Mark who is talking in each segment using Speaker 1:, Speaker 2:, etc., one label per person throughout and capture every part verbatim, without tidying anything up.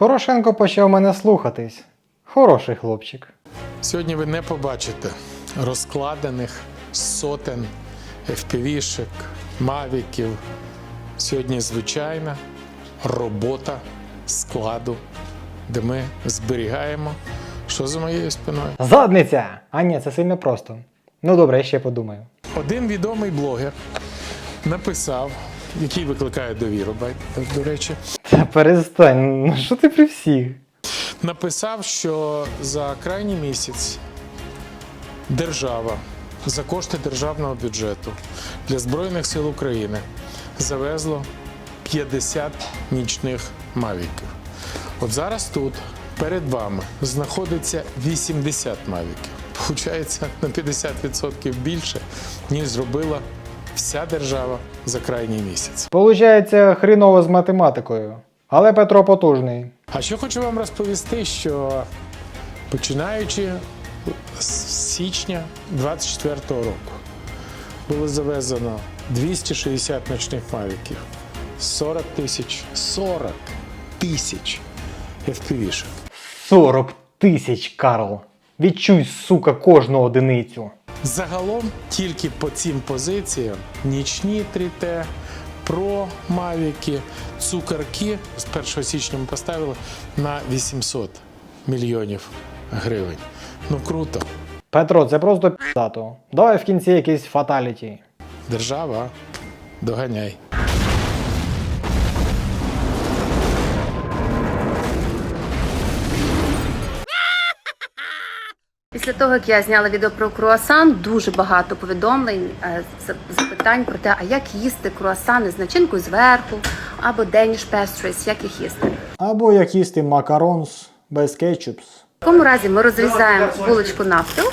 Speaker 1: Порошенко почав мене слухатись. Хороший хлопчик.
Speaker 2: Сьогодні ви не побачите розкладених сотень еф пі ві-шек, мавіків. Сьогодні звичайна робота складу, де ми зберігаємо, що за моєю спиною.
Speaker 1: Задниця! А ні, це сильно просто. Ну добре, я ще подумаю.
Speaker 2: Один відомий блогер написав, який викликає довіру, до речі,
Speaker 1: Та перестань, ну що ти при всіх?
Speaker 2: написав, що за крайній місяць держава за кошти державного бюджету для Збройних сил України завезло п'ятдесят нічних мавіків. От зараз тут перед вами знаходиться вісімдесят мавіків. Получається на п'ятдесят відсотків більше, ніж зробила вся держава за крайній місяць.
Speaker 1: Получається хріново з математикою. Але Петро потужний.
Speaker 2: А що хочу вам розповісти, що починаючи з січня двадцять четвертого року було завезено двісті шістдесят ночних мавіків, сорок тисяч, сорок тисяч еф пі ві-шек.
Speaker 1: сорок тисяч, Карл. Відчуй, сука, кожну одиницю.
Speaker 2: Загалом тільки по цим позиціям нічні три те, про мавіки, цукерки з першого січня ми поставили на вісімсот мільйонів гривень. Ну круто.
Speaker 1: Петро, це просто п'ятато. Давай в кінці якийсь фаталіті.
Speaker 2: Держава, доганяй.
Speaker 3: Після того, як я зняла відео про круасан, дуже багато повідомлень, е, запитань про те, а як їсти круасани з начинкою зверху, або Danish pastries, як їх їсти.
Speaker 1: Або як їсти макаронс без кетчупс.
Speaker 3: В такому разі ми розрізаємо булочку навпіл.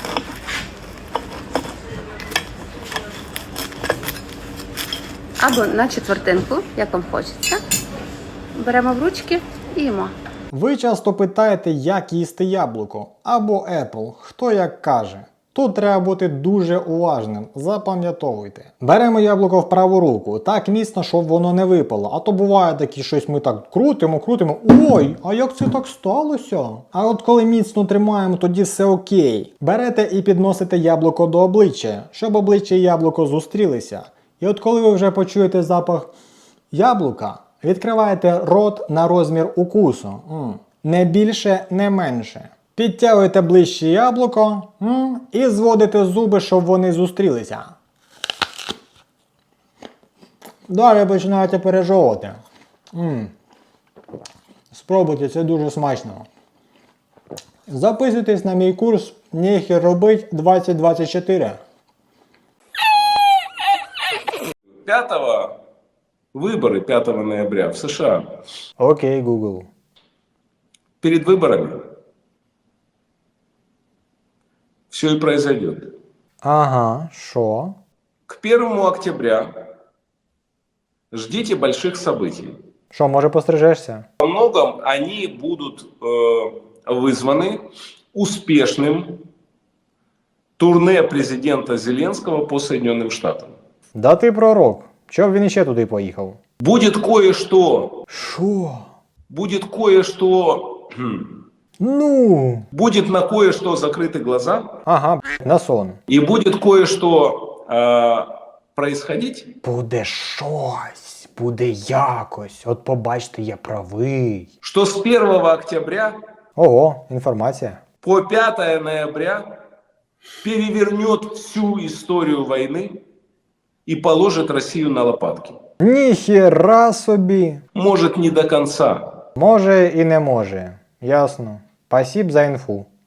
Speaker 3: Або на четвертинку, як вам хочеться. Беремо в ручки і їмо.
Speaker 1: Ви часто питаєте, як їсти яблуко або Apple, хто як каже. Тут треба бути дуже уважним, запам'ятовуйте. Беремо яблуко в праву руку, так міцно, щоб воно не випало. А то буває такі щось ми так крутимо, крутимо. Ой, а як це так сталося? А от коли міцно тримаємо, тоді все окей. Берете і підносите яблуко до обличчя, щоб обличчя і яблуко зустрілися. І от коли ви вже почуєте запах яблука, відкриваєте рот на розмір укусу. М. Не більше, не менше. Підтягуєте ближче яблуко м, і зводите зуби, щоб вони зустрілися. Далі починаєте пережовувати. М. Спробуйте, це дуже смачно. Записуйтесь на мій курс «Нехер робить двадцять двадцять чотири».
Speaker 4: пятого выборы пятого ноября в США.
Speaker 1: Окей, Google.
Speaker 4: Перед выборами все и произойдет.
Speaker 1: Ага, що?
Speaker 4: К первому октября ждите больших событий.
Speaker 1: Що, може пострижешся?
Speaker 4: Во многом они будут э, вызваны успешным турне президента Зеленского по Соединенным Штатам.
Speaker 1: Да ти пророк. Чого б він іще туди поїхав?
Speaker 4: Будет кое-что,
Speaker 1: Що?
Speaker 4: будет кое-что, хм,
Speaker 1: Ну?
Speaker 4: будет на кое-что закрыты глаза,
Speaker 1: Ага, б**, на сон.
Speaker 4: и будет кое-что э, происходить,
Speaker 1: Буде щось, буде якось. От побачте, я правий.
Speaker 4: что с первого октября
Speaker 1: Ого, інформація.
Speaker 4: по пятое ноября перевернет всю историю войны и положит Россию на лопатки.
Speaker 1: Ніхера собі.
Speaker 4: Может, не до конца.
Speaker 1: Може і не може. Ясно. Спасибо за інфу.